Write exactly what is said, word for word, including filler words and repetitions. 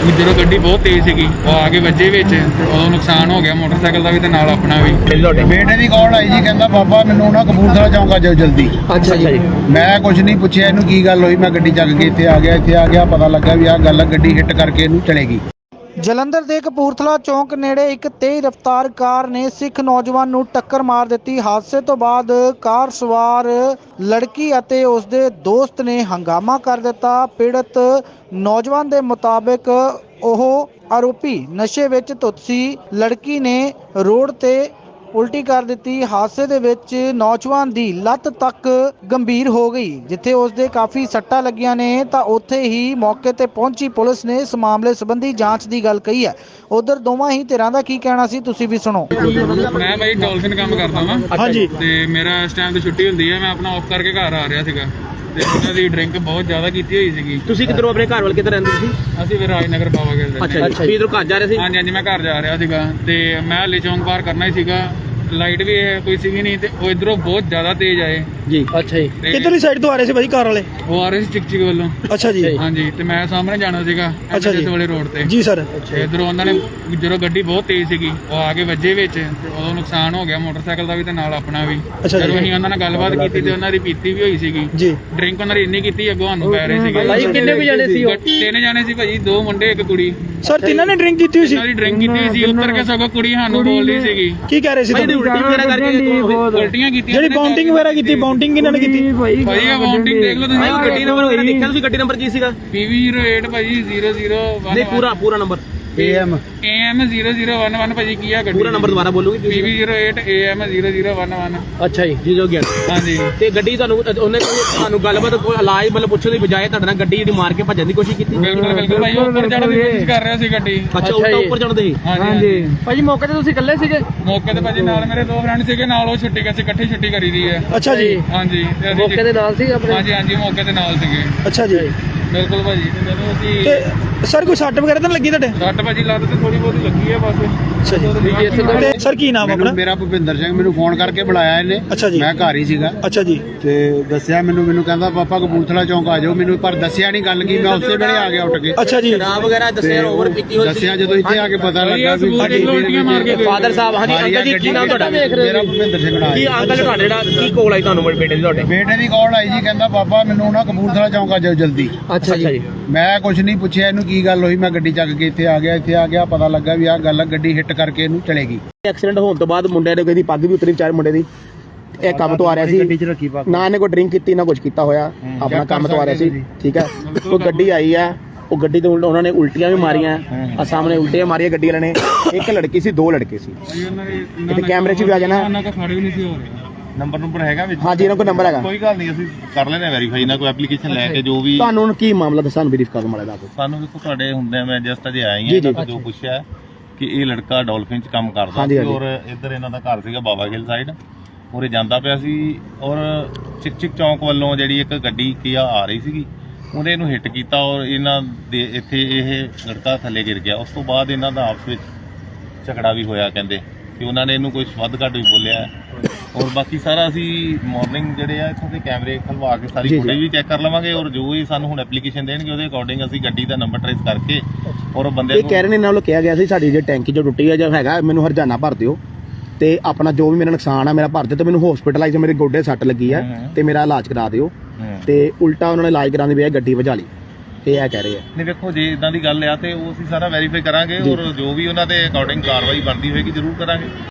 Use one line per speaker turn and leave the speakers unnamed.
ਜਦੋਂ ਗੱਡੀ ਬਹੁਤ ਤੇਜ਼ ਸੀਗੀ ਉਹ ਆ ਕੇ ਵੱਜੇ ਵਿੱਚ, ਉਦੋਂ ਨੁਕਸਾਨ ਹੋ ਗਿਆ ਮੋਟਰਸਾਈਕਲ ਦਾ ਵੀ ਤੇ ਨਾਲ ਆਪਣਾ ਵੀ।
ਬੇਟੇ ਦੀ ਕਾਲ ਆਈ ਜੀ, ਕਹਿੰਦਾ ਬਾਬਾ ਮੈਨੂੰ ਨਾ ਕਪੂਰਥਲਾ ਚੌਂਕ ਆ ਜਾਓ ਜਲਦੀ।
ਅੱਛਾ ਜੀ।
ਮੈਂ ਕੁਝ ਨਹੀਂ ਪੁੱਛਿਆ ਇਹਨੂੰ ਕੀ ਗੱਲ ਹੋਈ, ਮੈਂ ਗੱਡੀ ਚੱਕ ਕੇ ਇੱਥੇ ਆ ਗਿਆ। ਇੱਥੇ ਆ ਗਿਆ ਪਤਾ ਲੱਗਾ ਵੀ ਆਹ ਗੱਲ ਆ, ਗੱਡੀ ਹਿੱਟ ਕਰਕੇ ਇਹਨੂੰ ਚਲੇਗੀ।
ਜਲੰਧਰ ਦੇ ਕਪੂਰਥਲਾ ਚੌਂਕ ਨੇੜੇ ਇੱਕ ਤੇਜ਼ ਰਫ਼ਤਾਰ ਕਾਰ ਨੇ ਸਿੱਖ ਨੌਜਵਾਨ ਨੂੰ ਟੱਕਰ ਮਾਰ ਦਿੱਤੀ। ਹਾਦਸੇ ਤੋਂ ਬਾਅਦ ਕਾਰ ਸਵਾਰ ਲੜਕੀ ਅਤੇ ਉਸਦੇ ਦੋਸਤ ਨੇ ਹੰਗਾਮਾ ਕਰ ਦਿੱਤਾ। ਪੀੜਤ ਨੌਜਵਾਨ ਦੇ ਮੁਤਾਬਕ ਉਹ ਆਰੋਪੀ ਨਸ਼ੇ ਵਿੱਚ ਧੁੱਤ ਸੀ। ਲੜਕੀ ਨੇ ਰੋਡ ਤੇ ਉਲਟੀ ਕਰ ਦਿੱਤੀ। ਹਾਦਸੇ ਦੇ ਵਿੱਚ ਨੌਜਵਾਨ ਦੀ ਲੱਤ ਤੱਕ ਗੰਭੀਰ ਹੋ ਗਈ। ਜਿੱਥੇ ਉਸਦੇ ਕਾਫੀ ਸੱਟਾਂ ਲੱਗੀਆਂ ਨੇ ਤਾਂ ਉੱਥੇ ਹੀ ਮੌਕੇ ਤੇ ਪਹੁੰਚੀ ਪੁਲਿਸ ਨੇ ਇਸ ਮਾਮਲੇ ਸੰਬੰਧੀ ਜਾਂਚ ਦੀ ਗੱਲ ਕਹੀ ਹੈ। ਉਧਰ ਦੋਵਾਂ ਹੀ ਧਿਰਾਂ ਦਾ ਕੀ ਕਹਿਣਾ ਸੀ ਤੁਸੀਂ ਵੀ ਸੁਣੋ।
ਮੈਂ ਬਾਈ ਡੋਲਫਿਨ ਕੰਮ ਕਰਦਾ ਵਾਂ
ਹਾਂਜੀ।
ਤੇ ਮੇਰਾ ਇਸ ਟਾਈਮ ਤੇ ਛੁੱਟੀ ਹੁੰਦੀ ਹੈ, ਮੈਂ ਆਪਣਾ ਆਫ ਕਰਕੇ ਘਰ ਆ ਰਿਹਾ ਸੀਗਾ ਤੇ ਉਹਨਾਂ ਦੀ ਡਰਿੰਕ ਬਹੁਤ ਜ਼ਿਆਦਾ ਕੀਤੀ ਹੋਈ ਸੀਗੀ।
ਤੁਸੀਂ ਕਿੱਧਰੋਂ ਆਪਣੇ ਘਰ ਵੱਲ ਕਿੱਧਰ ਰਹਿੰਦੇ ਤੁਸੀਂ?
ਅਸੀਂ ਫਿਰ ਰਾਜਨਗਰ ਬਾਵਾ ਖੇਡਦੇ ਸੀ।
ਅੱਛਾ ਜੀ। ਇਧਰੋਂ ਘਰ ਜਾ ਰਹੇ ਸੀ?
ਹਾਂਜੀ ਹਾਂਜੀ, ਮੈਂ ਘਰ ਜਾ ਰਿਹਾ ਸੀਗਾ ਤੇ ਮੈਂ ਹਲੇ ਚੌਂਕ ਪਾਰ ਕਰਨਾ ਹੀ ਸੀਗਾ। ਲਾਈਟ ਵੀ ਕੋਈ ਸੀਗੀ ਨਹੀਂ ਤੇ ਉਹ ਇਧਰੋਂ ਬਹੁਤ ਜ਼ਿਆਦਾ ਤੇਜ਼ ਆਏ
ਜੀ। ਅੱਛਾ ਜੀ।
ਕਿੱਧਰਲੀ ਸਾਈਡ ਤੋਂ ਆ ਰਹੇ ਸੀ ਭਾਈ ਕਾਰ ਵਾਲੇ?
ਉਹ ਆ ਰਹੇ ਸੀ ਚਿਕ ਚਿਕ ਵੱਲੋਂ।
ਅੱਛਾ ਜੀ।
ਹਾਂਜੀ, ਤੇ ਮੈਂ ਸਾਹਮਣੇ ਜਾਣਾ ਸੀਗਾ
ਅੱਛਾ ਜੀ।
ਇਸ ਵਾਲੇ ਰੋਡ ਤੇ।
ਜੀ ਸਰ।
ਇਧਰੋਂ ਉਹਨਾਂ ਨੇ ਜਦੋਂ ਗੱਡੀ ਬਹੁਤ ਤੇਜ਼ ਸੀਗੀ ਉਹ ਆ ਕੇ ਵੱਜੇ ਵਿੱਚ, ਉਦੋਂ ਨੁਕਸਾਨ ਹੋ ਗਿਆ ਮੋਟਰਸਾਈਕਲ ਦਾ ਵੀ ਤੇ ਨਾਲ ਆਪਣਾ ਵੀ।
ਅੱਛਾ ਜੀ।
ਜਦੋਂ ਅਸੀਂ ਉਹਨਾਂ ਨਾਲ ਗੱਲਬਾਤ ਕੀਤੀ ਤੇ ਉਹਨਾਂ ਦੀ ਪੀਤੀ ਵੀ ਹੋਈ ਸੀਗੀ
ਜੀ।
ਡਰਿੰਕ ਉਹਨਾਂ ਦੀ ਇੰਨੀ ਕੀਤੀ ਅੱਗੋਂ ਸਾਨੂੰ ਪੈ ਰਹੇ ਸੀਗੇ।
ਭਾਈ ਕਿੰਨੇ ਵੀ ਜਾਣੇ ਸੀ ਉਹ?
ਤਿੰਨ ਜਾਣੇ ਸੀ ਭਾਜੀ, ਦੋ ਮੁੰਡੇ ਇੱਕ ਕੁੜੀ।
ਸਰ ਤਿੰਨਾਂ ਨੇ ਡਰਿੰਕ ਕੀਤੀ ਹੋਈ ਸੀ?
ਉਹਨਾਂ ਦੀ ਡਰਿੰਕ ਕੀਤੀ ਹੋਈ ਸੀ। ਉੱਤਰ ਕੇ ਸਗੋਂ ਕੁੜੀ ਸਾਨੂੰ ਬੋਲਦੀ ਸੀਗੀ।
ਕੀ ਕਹਿ ਰਹੇ ਸੀ
ਭਾਈ
ਤੁਹਾਨੂੰ?
ਉਲਟੀ ਵਗੈਰਾ ਕਰਕੇ
ਉਲਟੀਆਂ ਕੀਤੀਆਂ।
ਜਿਹੜੀ ਬਾਉਂਡਿੰਗ ਵਗੈਰਾ ਕੀਤੀ, ਬਾਉਂਡਿੰਗ ਕਿਹਨਾਂ ਨੇ ਕੀਤੀ?
ਭਾਈ ਇਹ ਬਾਉਂਡਿੰਗ ਦੇਖ ਲਓ ਤੁਸੀਂ।
ਗੱਡੀ ਨੰਬਰ ਵਗੈਰਾ ਦੇਖਿਆ ਤੁਸੀਂ? ਗੱਡੀ ਨੰਬਰ ਕੀ ਸੀਗਾ?
ਪੀ ਵੀ ਜ਼ੀਰੋ ਏਟ ਭਾਜੀ ਜ਼ੀਰੋ ਜ਼ੀਰੋ ਵਨ।
ਨਹੀਂ ਪੂਰਾ ਪੂਰਾ number
A M
A M zero zero one one ਭਾਜੀ ਕੀ ਆ ਗੱਡੀ?
ਪੂਰਾ ਨੰਬਰ ਦੁਬਾਰਾ ਬੋਲੋਗੇ
P V zero eight A M zero zero one one.
ਅੱਛਾ ਜੀ। ਜੀ ਜੋ ਗਿਆ।
ਹਾਂਜੀ।
ਤੇ ਗੱਡੀ ਤੁਹਾਨੂੰ ਉਹਨੇ ਤੁਹਾਨੂੰ ਗੱਲਬਾਤ ਕੋਈ ਇਲਾਜ ਮਤਲਬ ਪੁੱਛਣ ਦੀ ਬਜਾਏ ਤੁਹਾਡੇ ਨਾਲ ਗੱਡੀ ਜਿਹੜੀ ਮਾਰ ਕੇ ਭੱਜਣ ਦੀ ਕੋਸ਼ਿਸ਼ ਕੀਤੀ?
ਬਿਲਕੁਲ ਬਿਲਕੁਲ ਭਾਈ, ਉਹ ਉੱਪਰ ਚੜ੍ਹਨ ਦੀ ਕੋਸ਼ਿਸ਼ ਕਰ ਰਿਹਾ ਸੀ ਗੱਡੀ।
ਅੱਛਾ ਉਲਟਾ ਉੱਪਰ ਚੜ੍ਹਦੇ ਸੀ?
ਹਾਂਜੀ।
ਭਾਜੀ ਮੌਕੇ ਤੇ ਤੁਸੀਂ ਇਕੱਲੇ ਸੀਗੇ?
ਮੌਕੇ ਤੇ ਭਾਜੀ ਨਾਲ ਮੇਰੇ ਦੋ ਫਰੈਂਡ ਸੀਗੇ, ਨਾਲ ਉਹ ਛੁੱਟੀ ਕਰ ਸੀ, ਇਕੱਠੀ ਛੁੱਟੀ ਕਰੀ ਦੀ ਹੈ।
ਅੱਛਾ ਜੀ।
ਹਾਂਜੀ ਤੇ ਅਸੀਂ
ਮੌਕੇ ਦੇ ਨਾਲ ਸੀ ਆਪਣੇ?
ਹਾਂਜੀ ਹਾਂਜੀ, ਮੌਕੇ ਤੇ ਨਾਲ ਸੀਗੇ।
ਅੱਛਾ ਜੀ।
ਬਿਲਕੁਲ ਭਾਜੀ। ਤੇ ਜਦੋਂ ਅਸੀਂ
ਤੇ ਸਰ ਕੋਈ ਸੱਟ ਵਗੈਰਾ ਤਾਂ ਨੀ ਲੱਗੀ ਤੁਹਾਡੇ?
ਸੱਟ ਭਾਜੀ ਲੱਤ ਤੇ ਥੋੜੀ ਬਹੁਤੀ ਲੱਗੀ ਹੈ ਬਸ।
ਅੱਛਾ ਜੀ। ਤੇ ਸਰ ਕੀ ਨਾਮ ਆਪਣਾ?
ਮੇਰਾ ਭੁਪਿੰਦਰ ਸਿੰਘ। ਮੈਨੂੰ ਫੋਨ ਕਰਕੇ ਬੁਲਾਇਆ ਇਹਨੇ।
ਅੱਛਾ ਜੀ।
ਮੈਂ ਘਰ ਹੀ ਸੀਗਾ।
ਅੱਛਾ ਜੀ।
ਤੇ ਦੱਸਿਆ ਮੈਨੂੰ ਮੈਨੂੰ ਕਹਿੰਦਾ ਪਾਪਾ ਕਪੂਰਥਲਾ ਚੌਂਕ ਆ ਜਾਓ। ਮੈਨੂੰ ਪਰ ਦੱਸਿਆ ਨਹੀਂ ਗੱਲ ਕੀ, ਮੈਂ ਉਸੇ ਵੇਲੇ ਆ ਗਿਆ ਉੱਠ ਕੇ।
ਅੱਛਾ ਜੀ।
ਸ਼ਰਾਬ ਵਗੈਰਾ ਦੱਸਿਆ ਓਵਰ ਪੀਤੀ ਹੋਈ ਸੀ?
ਦੱਸਿਆ ਜਦੋਂ ਇੱਥੇ ਆ ਕੇ ਪਤਾ ਲੱਗਾ ਵੀ
ਉਲਟੀਆਂ ਮਾਰ ਕੇ
ਫਾਦਰ ਸਾਹਿਬ। ਹਾਂਜੀ ਅੰਕਲ ਜੀ ਕੀ ਨਾਮ ਤੁਹਾਡਾ?
ਮੇਰਾ ਭੁਪਿੰਦਰ ਸਿੰਘ ਨਾਮ।
ਕੀ ਅੰਕਲ ਤੁਹਾਡੇ ਜਿਹੜਾ ਕੀ ਕੋਲ ਆਈ ਤੁਹਾਨੂੰ ਬੇਟੇ ਦੀ ਤੁਹਾਡੇ?
ਬੇਟੇ ਦੀ ਕਾਲ ਆਈ ਜੀ, ਕਹਿੰਦਾ ਬਾਬਾ ਮੈਨੂੰ ਨਾ ਕਪੂਰਥਲਾ ਚੌਂਕ ਆ ਜਾਓ ਜਲਦੀ।
ਅੱਛਾ ਜੀ।
ਮੈਂ ਕੁਝ ਨਹੀਂ ਪੁੱਛਿਆ ਇਹਨੂੰ ਕੀ ਗੱਲ ਹੋਈ, ਮੈਂ ਗੱਡੀ ਚੱਕ ਕੇ ਇੱਥੇ ਆ ਗਿਆ। ਇੱਥੇ ਆ ਗਿਆ ਪਤਾ ਲੱਗਾ ਵੀ ਆਹ ਗੱਲ ਆ, ਗੱਡੀ ਹਿੱਟ ਕਰਕੇ ਇਹਨੂੰ ਚਲੇਗੀ।
ਐਕਸੀਡੈਂਟ ਹੋਣ ਤੋਂ ਬਾਅਦ ਮੁੰਡੇ ਨੇ ਕਹਿੰਦੀ ਪੱਗ ਵੀ ਉਤਰੀ ਵਿਚਾਰੇ ਮੁੰਡੇ ਦੀ। ਇਹ ਕੰਮ ਤੋਂ ਆ ਰਿਹਾ ਸੀ,
ਗੱਡੀ 'ਚ ਰੱਖੀ ਪਾ
ਨਾ ਇਹਨੇ ਕੋਈ ਡਰਿੰਕ ਕੀਤੀ ਨਾ ਕੁਝ ਕੀਤਾ ਹੋਇਆ, ਆਪਣਾ ਕੰਮ ਤੋਂ ਆ ਰਿਹਾ ਸੀ। ਠੀਕ ਹੈ। ਉਹ ਗੱਡੀ ਆਈ ਹੈ, ਉਹ ਗੱਡੀ ਤੋਂ ਉਹਨਾਂ ਨੇ ਉਲਟੀਆਂ ਵੀ ਮਾਰੀਆਂ ਆ, ਸਾਹਮਣੇ ਉਲਟੀਆਂ ਮਾਰੀਆਂ ਗੱਡੀ ਵਾਲੇ ਨੇ। ਇੱਕ ਲੜਕੀ ਸੀ, ਦੋ ਲੜਕੇ ਸੀ। ਇੱਥੇ ਕੈਮਰੇ 'ਚ ਵੀ ਆ ਜਾਣਾ।
ਉਹਨਾਂ ਦਾ ਖੜੇ ਵੀ ਨਹੀਂ ਸੀ ਹੋ ਰਹੇ।
ਨੰਬਰ ਨੰਬਰ ਹੈਗਾ ਵਿੱਚ?
ਹਾਂਜੀ ਇਹਨਾਂ ਕੋਲ ਨੰਬਰ ਹੈਗਾ।
ਕੋਈ ਗੱਲ ਨਹੀਂ, ਅਸੀਂ ਕਰ ਲੈਣੇ ਵੈਰੀਫਾਈ ਨਾ ਕੋਈ ਐਪਲੀਕੇਸ਼ਨ ਲੈ ਕੇ ਜੋ ਵੀ।
ਤੁਹਾਨੂੰ ਹੁਣ ਕੀ ਮਾਮਲਾ ਦੱਸਾਂ ਬਰੀਫ ਕਰ ਮਾੜਾ ਦਾ।
ਸਾਨੂੰ ਦੇਖੋ ਤੁਹਾਡੇ ਹੁੰਦੇ ਆ, ਮੈਂ ਜਸਟ ਅਜੇ ਆਈ
ਜੀ, ਜੀ।
ਹਾਂ। ਜੋ ਪੁੱਛਿਆ ਕਿ ਇਹ ਲੜਕਾ ਡੋਲਫਿਨ ਚ ਕੰਮ ਕਰਦਾ
ਹਾਂਜੀ,
ਸੀ
ਹਾਂਜੀ।
ਔਰ ਇੱਧਰ ਇਹਨਾਂ ਦਾ ਘਰ ਸੀਗਾ ਬਾਵਾ ਖੇਲ ਸਾਈਡ, ਔਰ ਇਹ ਜਾਂਦਾ ਪਿਆ ਸੀ ਔਰ ਚਿਕ ਚਿਕ ਚੌਂਕ ਵੱਲੋਂ ਜਿਹੜੀ ਇੱਕ ਗੱਡੀ ਕੀਆ ਆ ਰਹੀ ਸੀਗੀ, ਉਹਨੇ ਇਹਨੂੰ ਹਿੱਟ ਕੀਤਾ ਔਰ ਇਹਨਾਂ ਦੇ ਇੱਥੇ ਇਹ ਲੜਕਾ ਥੱਲੇ ਗਿਰ ਗਿਆ। ਉਸ ਤੋਂ ਬਾਅਦ ਇਹਨਾਂ ਦਾ ਆਪਸ ਵਿੱਚ ਝਗੜਾ ਵੀ ਹੋਇਆ, ਕਹਿੰਦੇ ਕਿ ਉਹਨਾਂ ਨੇ ਇਹਨੂੰ ਕੋਈ ਵੱਧ ਘੱਟ ਵੀ ਬੋਲਿਆ। ਔਰ ਬਾਕੀ ਸਾਰਾ ਅਸੀਂ ਮਾਰਨਿੰਗ ਜਿਹੜੇ ਆ ਇੱਥੋਂ ਦੇ ਕੈਮਰੇ ਖਲਵਾ ਕੇ ਸਾਰੀ ਫੁਟੇਜ ਵੀ ਚੈੱਕ ਕਰ ਲਵਾਂਗੇ ਔਰ ਜੋ ਵੀ ਸਾਨੂੰ ਹੁਣ ਐਪਲੀਕੇਸ਼ਨ ਦੇਣਗੇ ਉਹਦੇ ਅਕੋਰਡਿੰਗ ਅਸੀਂ ਗੱਡੀ ਦਾ ਨੰਬਰ ਟ੍ਰੇਸ ਕਰਕੇ ਔਰ ਬੰਦੇ
ਇਹ ਕਹਿ ਰਹੇ ਨੇ ਇਹਨਾਂ ਵੱਲੋਂ ਕਿਹਾ ਗਿਆ ਸੀ ਸਾਡੀ ਜੇ ਟੈਂਕੀ ਜੋ ਟੁੱਟੀ ਹੈ ਜਾਂ ਹੈਗਾ ਮੈਨੂੰ ਹਰਜਾਨਾ ਭਰ ਦਿਓ ਤੇ ਆਪਣਾ ਜੋ ਵੀ ਮੇਰਾ ਨੁਕਸਾਨ ਆ ਮੇਰਾ ਭਰ ਦਿਓ ਤੇ ਮੈਨੂੰ ਹਸਪੀਟਲਾਈਜ਼ ਮੇਰੇ ਗੋਡੇ ਸੱਟ ਲੱਗੀ ਹੈ ਤੇ ਮੇਰਾ ਇਲਾਜ ਕਰਾ ਦਿਓ। ਤੇ ਉਲਟਾ ਉਹਨਾਂ ਨੇ ਇਲਾਜ ਕਰਾਉਣ ਦੀ ਬਜਾਏ ਗੱਡੀ ਵਜਾ ਲਈ, ਇਹ ਆ ਕਹਿ ਰਹੇ ਆ।
ਨਹੀਂ ਵੇਖੋ ਜੇ ਇਦਾਂ ਦੀ ਗੱਲ ਆ ਤੇ ਉਹ ਅਸੀਂ ਸਾਰਾ ਵੈਰੀਫਾਈ ਕਰਾਂਗੇ ਔਰ ਜੋ ਵੀ ਉਹਨਾਂ ਦੇ ਅਕੋਰਡਿੰਗ ਕਾਰਵਾਈ ਬਣਦੀ ਹੋਏਗੀ ਜ਼ਰੂਰ ਕਰਾਂਗੇ।